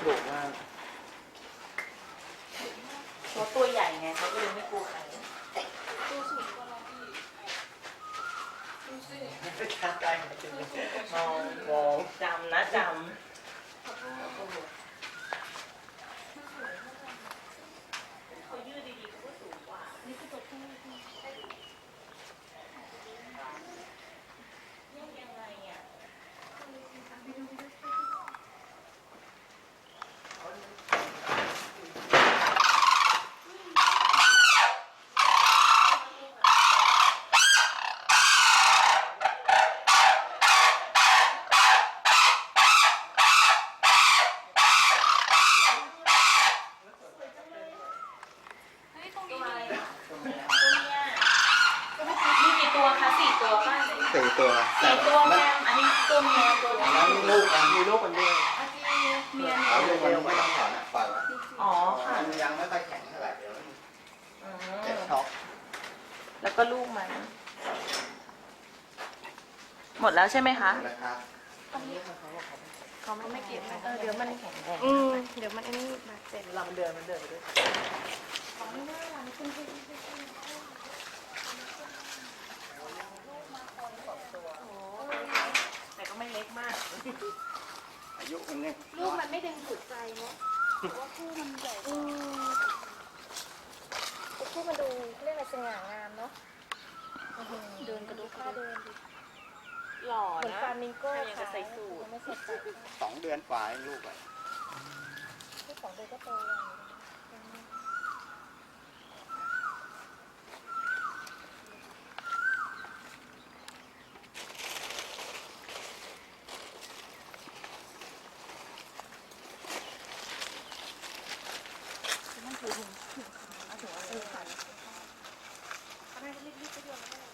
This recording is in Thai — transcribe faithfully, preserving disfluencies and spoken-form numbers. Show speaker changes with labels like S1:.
S1: ดุมาก
S2: เขาตัวใหญ่ไงเขาก็เลยไม่กลัวใคร
S3: ตัวสูงกว่าเราอีกดูสิ
S1: ไม่กล้าใกล้มองมอง
S2: จำนะจ
S3: ขอโทษ
S2: ำเขายืดดีๆเขาก็สูงกว่า
S3: นี่คือตัวผู้ที่
S2: แยกยังไงอ่ะ
S3: ไปดูไปดู เฮ้ยตรงนี้
S2: ตัวอะไร
S3: มี
S2: อ่ะตัวเมียมีกี่ตัวคะสี่ตัวป่ะ
S1: สี่ตัว
S2: สี่ตัวแม่อันนี้ตัวเมียตัว
S1: อัน
S2: เมี
S1: นั้น
S2: ย
S1: ลูกมันมีลูกมันด้วย
S3: อาจีเมีย
S1: เอา
S3: เนี่ย
S1: ลูกมันไม่ต้องถอนอ่ะปล่อยไว้
S2: อ๋อค่ะ
S1: มันยังไม่ค่อยแข็งเท่าไหร่เดี๋ยวมัน
S2: อื
S1: เจ็บ
S2: ม
S1: ช็อก
S2: แล้วก็ลูกมัน หมดแล้วใช่ไหมคะ
S1: นะครับ
S2: เขาไม่เก็บเออเดี๋ยวมันแข็งแรง
S3: อืมเดี๋ยวมันอันนี้บาดเจ็บ
S2: เวลามันเดินมันเดินไปด้วย
S3: ของไม่น่ารักคุณพี่
S2: แต่ก็ไม่เล็กมาก
S1: อายุมันเนี่ย
S3: ลูกมันไม่ดึงดูดใจเนาะแต่ว่าคู่มันใหญ่อืมคู่มันดูเรียกอะไรสง่างามเนาะเดินกระดูกข้าเดินดิ
S2: หล่อ
S3: เหมือน
S2: นะ
S3: ฟามิงโก้
S2: ยังจะใส่สูท
S3: ไม่ใส่สูท
S1: สองเดือนฝ่ายลูกอ่ะ
S3: ที่สองเดือนก็โตแล้วมันถือถุงถุงขาวถุงอะไรขาวเขาได้รีบๆไปเดียวแล้ว